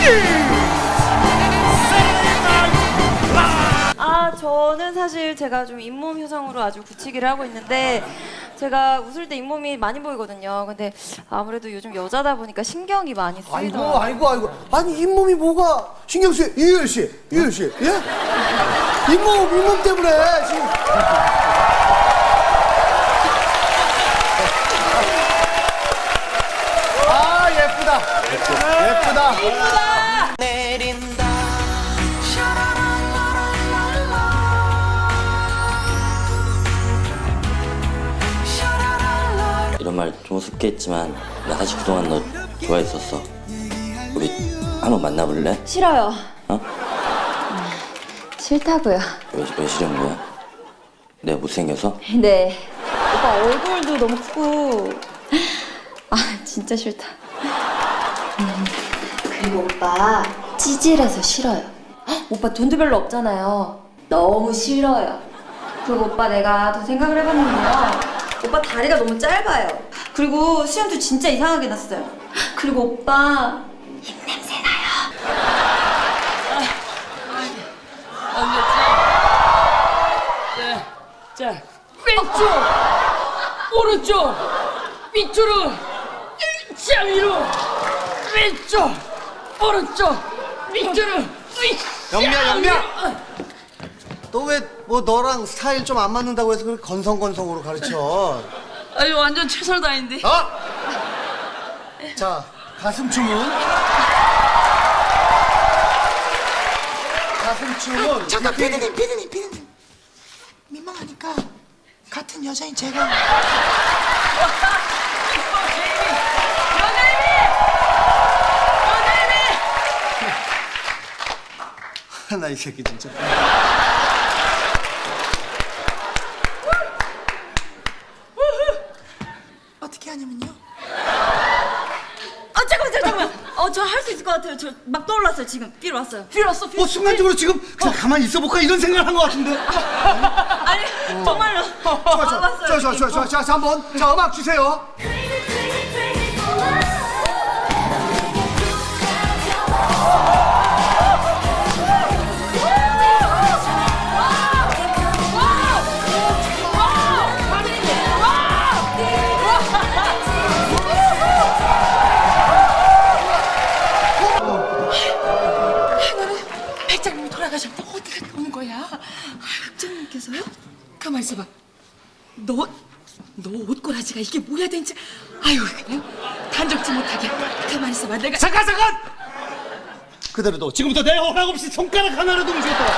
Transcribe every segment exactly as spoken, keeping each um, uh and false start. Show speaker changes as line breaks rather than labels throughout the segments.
아, 저는 사실 제가 좀 잇몸 효성으로 아주 굳히기를 하고 있는데 제가 웃을 때 잇몸이 많이 보이거든요. 근데 아무래도 요즘 여자다 보니까 신경이 많이
아이고
쓰이더라고요.
아이고 아이고 아니 잇몸이 뭐가 신경 쓰여. 이효열 씨 이효열 씨 예? 잇몸 잇몸 때문에 지금 아 예쁘다 예쁘다 예쁘다
내린다.
이런 말 좀 우습게 했지만 나 사실 그동안 너 좋아했었어. 우리 한번 만나볼래?
싫어요.
어?
싫다고요.
왜, 왜 싫은 거야? 내가 못생겨서?
네. 오빠 얼굴도 너무 크고 아 진짜 싫다. 음, 그리고 오빠 찌질해서 싫어요. 헉, 오빠 돈도 별로 없잖아요. 너무 싫어요. 그리고 오빠 내가 더 생각을 해봤는데요. 오빠 다리가 너무 짧아요. 그리고 수염도 진짜 이상하게 났어요. 그리고 오빠 입냄새 나요.
자, 자, 왼쪽, 오른쪽, 밑으로, 자 위로, 왼쪽, 오른쪽, 밑으로.
영미야 영미야 너 왜 뭐 너랑 스타일 좀 안 맞는다고 해서 그렇게 건성건성으로 가르쳐
아유 완전 최선다인데.
어? 자 가슴춤은 가슴춤은
잠깐
이렇게-
피디님 피디님 피디님 민망하니까 같은 여자인 제가
나 이 새끼 진짜
어떻게 하냐면요.
아 잠깐만 잠깐만. 어 저 할 수 있을 것 같아요. 저 막 떠올랐어요 지금. 삐로 왔어요.
필요 왔어.
뭐 순간적으로 지금 그냥 가만히 있어볼까 이런 생각을 한 것 같은데
아니 정말로.
좋아 좋아
와봤어요,
좋아 좋아 좋아 좋아 자, 자 한번 자 음악 주세요
백장님이 돌아가셨는데 어디가 오는 거야?
국장님께서요?
가만 있어봐. 너, 너 옷꼬라지가 이게 뭐야 den지. 아유 그냥 단정치 못하게. 가만 있어봐. 내가
잠깐 잠깐 그대로 둬 지금부터 내 허락 없이 손가락 하나라도 움직였다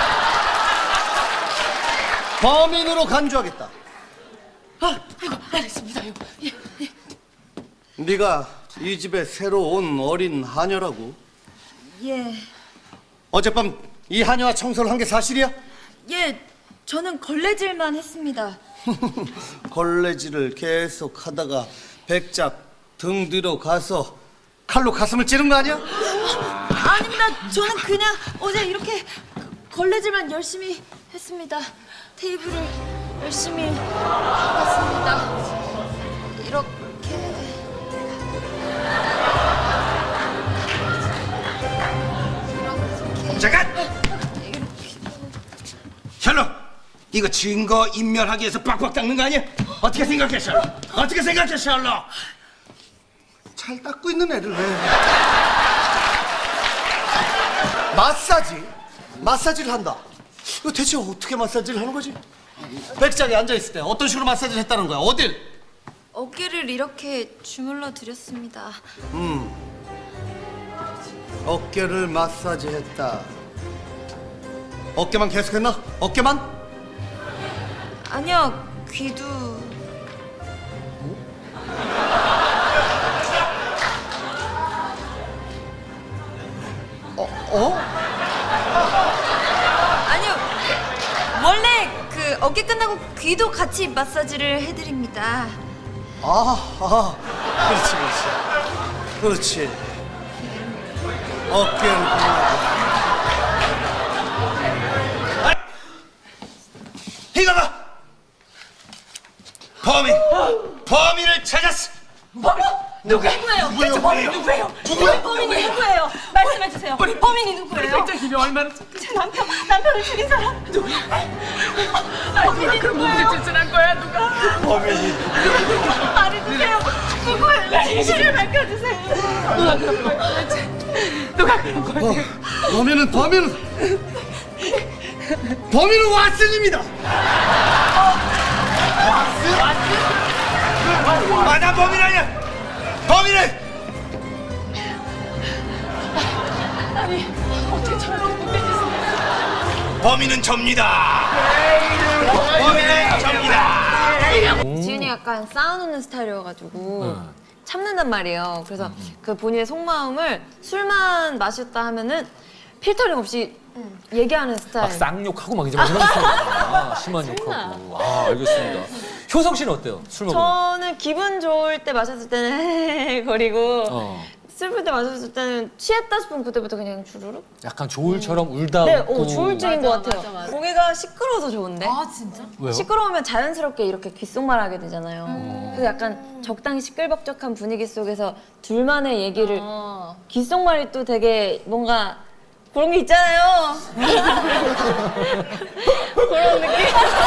범인으로 간주하겠다
아, 아이고 알겠습니다. 아이고. 예, 예.
네가 이 집에 새로 온 어린 하녀라고
예.
어젯밤 이 하녀와 청소를 한 게 사실이야?
예. 저는 걸레질만 했습니다.
걸레질을 계속 하다가 백작 등 뒤로 가서 칼로 가슴을 찌른 거 아니야?
아닙니다. 저는 그냥 어제 이렇게 걸레질만 열심히 했습니다. 테이블을 열심히 했습니다. 이렇게.
잠깐! 셜록! 이거 증거 인멸하기 위해서 빡빡 닦는 거 아니야? 어떻게 생각해 셜록? 어떻게 생각해 셜록?
잘 닦고 있는 애를 왜 마사지? 마사지를 한다 이거 대체 어떻게 마사지를 하는 거지? 백작에 앉아있을 때 어떤 식으로 마사지를 했다는 거야? 어딜?
어깨를 이렇게 주물러 드렸습니다.
어깨를 마사지했다 어깨만 계속했나? 어깨만?
아니요. 귀도.
어? 어?
아니요. 원래 그 어깨 끝나고 귀도 같이 마사지를 해드립니다.
아, 아, 그렇지, 그렇지. 그렇지. 어깨를 보려고.
이거 봐! 범인! 범인을 찾았어!
범인!
누가?
누구예요? 대체 범인이 누구예요? 누구예요? 범인이 누구예요? 말씀해 주세요. 범인이 누구예요? 백장님이 얼마나 제 남편 남편을 죽인 사람 누구야? 범인이 그런 문제 짓을 거야 누가?
범인이
말해주세요. 누구예요? 진실을 밝혀주세요. 누가 그런 거예요? 대체 누가 그런 거예요?
범인은 범인은 범인은 왓슨입니다.
아, 난 범인 아니야. 범인은
아니 어떻게 저렇게 못된 짓을?
범인은 접니다. 범인은 접니다.
지윤이 약간 쌓아놓는 스타일이어가지고 참는단 말이에요. 그래서 그 본인의 속마음을 술만 마셨다 하면은 필터링 없이 얘기하는 스타일.
막 쌍욕하고 막 이제 막 이런 스타일이구나. 심한 욕하고. 아, 알겠습니다. 효성 씨는 어때요? 술 먹으면?
저는 기분 좋을 때 마셨을 때는 거리고
어.
슬플 때 마셨을 때는 취했다 싶으면 그때부터 그냥 주르륵?
약간 조울처럼 울다
네,
웃고.
어, 조울증인 것 같아요. 고개가 시끄러워서 좋은데.
아 진짜?
왜요?
시끄러우면 자연스럽게 이렇게 귓속말 하게 되잖아요. 그래서 약간 적당히 시끌벅적한 분위기 속에서 둘만의 얘기를
어.
귓속말이 또 되게 뭔가 그런 게 있잖아요. 그런 느낌?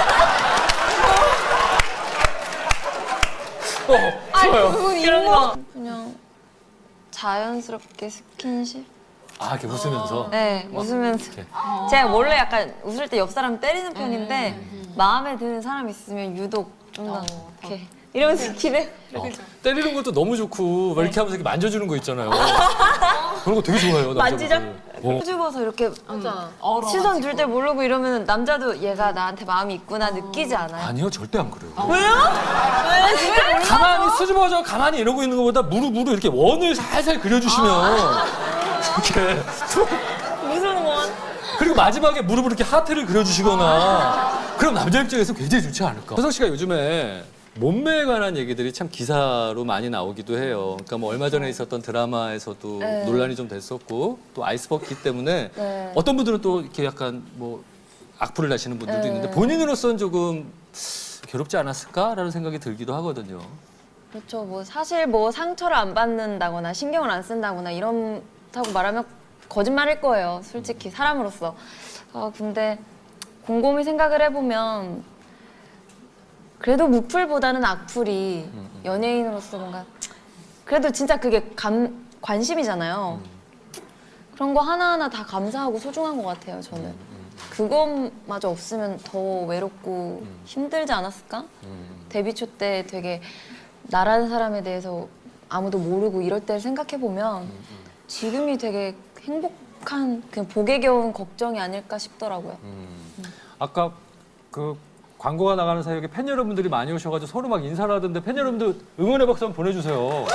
어, 좋아요.
이런 거 그냥 자연스럽게 스킨십?
아, 이렇게 웃으면서.
네, 웃으면서.
이렇게.
제가 원래 약간 웃을 때 옆 사람 때리는 편인데 마음에 드는 사람 있으면 유독 좀 더 이렇게 이러면서 기대.
어, 때리는 것도 너무 좋고 막 이렇게 하면서 이렇게 만져주는 거 있잖아요. 그런 거 되게 좋아해요,
만지작?
남자분들. 어.
수줍어서 이렇게 시선 둘 때 모르고 이러면 남자도 얘가 나한테 마음이 있구나 느끼지 않아요?
아니요, 절대 안 그래요.
왜요? 왜? 진짜 몰라?
가만히 수줍어져 가만히 이러고 있는 것보다 무릎으로 이렇게 원을 살살 그려주시면 이렇게
무슨 원?
그리고 마지막에 무릎으로 이렇게 하트를 그려주시거나 그럼 남자 입장에서 굉장히 좋지 않을까. 효성 씨가 요즘에 몸매에 관한 얘기들이 참 기사로 많이 나오기도 해요. 그러니까 뭐 얼마 전에 있었던 드라마에서도
네.
논란이 좀 됐었고 또 아이스버킷 때문에
네.
어떤 분들은 또 이렇게 약간 뭐 악플을 다시는 분들도
네.
있는데 본인으로서는 조금 괴롭지 않았을까라는 생각이 들기도 하거든요.
그렇죠. 뭐 사실 뭐 상처를 안 받는다거나 신경을 안 쓴다거나 이런다고 말하면 거짓말일 거예요. 솔직히 사람으로서. 아 근데 곰곰이 생각을 해보면 그래도 무풀보다는 악플이 연예인으로서 뭔가 그래도 진짜 그게 감, 관심이잖아요. 그런 거 하나하나 다 감사하고 소중한 것 같아요, 저는. 그것마저 없으면 더 외롭고 힘들지 않았을까? 데뷔 초 때 되게 나라는 사람에 대해서 아무도 모르고 이럴 때를 생각해보면 지금이 되게 행복한, 그냥 복에 겨운 걱정이 아닐까 싶더라고요.
아까 그 광고가 나가는 사이에 팬 여러분들이 많이 오셔가지고 서로 막 인사를 하던데 팬 여러분들 응원의 박수 한번 보내주세요.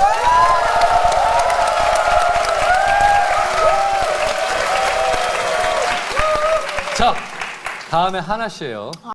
자, 다음에 하나 씨예요.